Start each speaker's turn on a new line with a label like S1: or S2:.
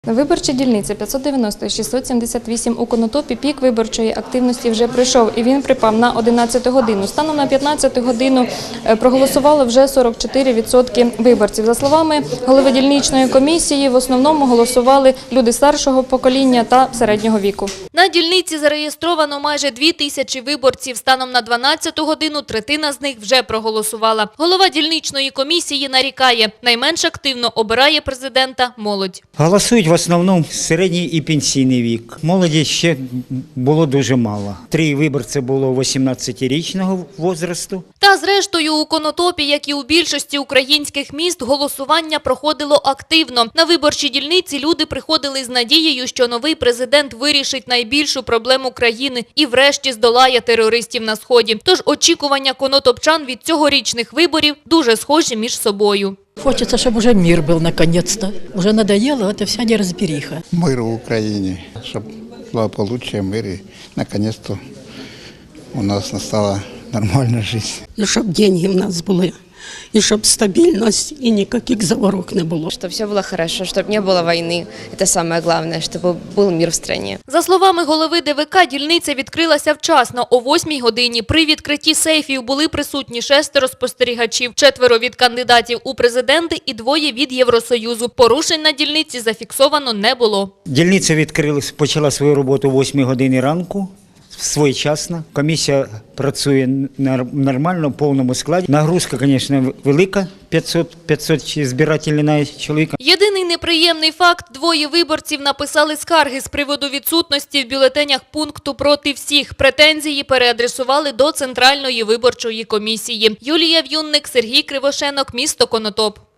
S1: Виборча дільниця 590-678 у Конотопі пік виборчої активності вже пройшов і він припав на 11 годину. Станом на 15 годину проголосувало вже 44% виборців. За словами голови дільничної комісії, в основному голосували люди старшого покоління та середнього віку.
S2: На дільниці зареєстровано майже 2000 виборців. Станом на 12 годину третина з них вже проголосувала. Голова дільничної комісії нарікає, найменш активно обирає президента молодь.
S3: Голосують в основному середній і пенсійний вік. Молоді ще було дуже мало. 3 виборці було 18-річного возрасту.
S2: Та зрештою у Конотопі, як і у більшості українських міст, голосування проходило активно. На виборчі дільниці люди приходили з надією, що новий президент вирішить найбільшу проблему країни і врешті здолає терористів на Сході. Тож очікування конотопчан від цьогорічних виборів дуже схожі між собою.
S4: Хочется, чтобы уже мир был наконец-то. Уже надоело эта вся неразбериха.
S5: Мир в Украине, чтобы благополучие, мир и наконец-то у нас настала нормальная жизнь.
S6: І щоб деньги в нас були, і щоб стабільність, і ніяких заворок не було.
S7: Чтобы все было хорошо, чтобы не было войны. Это самое главное, чтобы был мир в стране.
S2: За словами голови ДВК, дільниця відкрилася вчасно о 8 годині. При відкритті сейфів були присутні 6 спостерігачів, 4 від кандидатів у президенти і 2 від Євросоюзу. Порушень на дільниці зафіксовано не було.
S3: Дільниця відкрилась, почала свою роботу о 8 годині ранку, своєчасно. Комісія працює нормально, в повному складі. Нагрузка, звісно, велика, 500 збирательних чоловік.
S2: Єдиний неприємний факт – 2 виборців написали скарги з приводу відсутності в бюлетенях пункту «Проти всіх». Претензії переадресували до Центральної виборчої комісії. Юлія В'юнник, Сергій Кривошенок, місто Конотоп.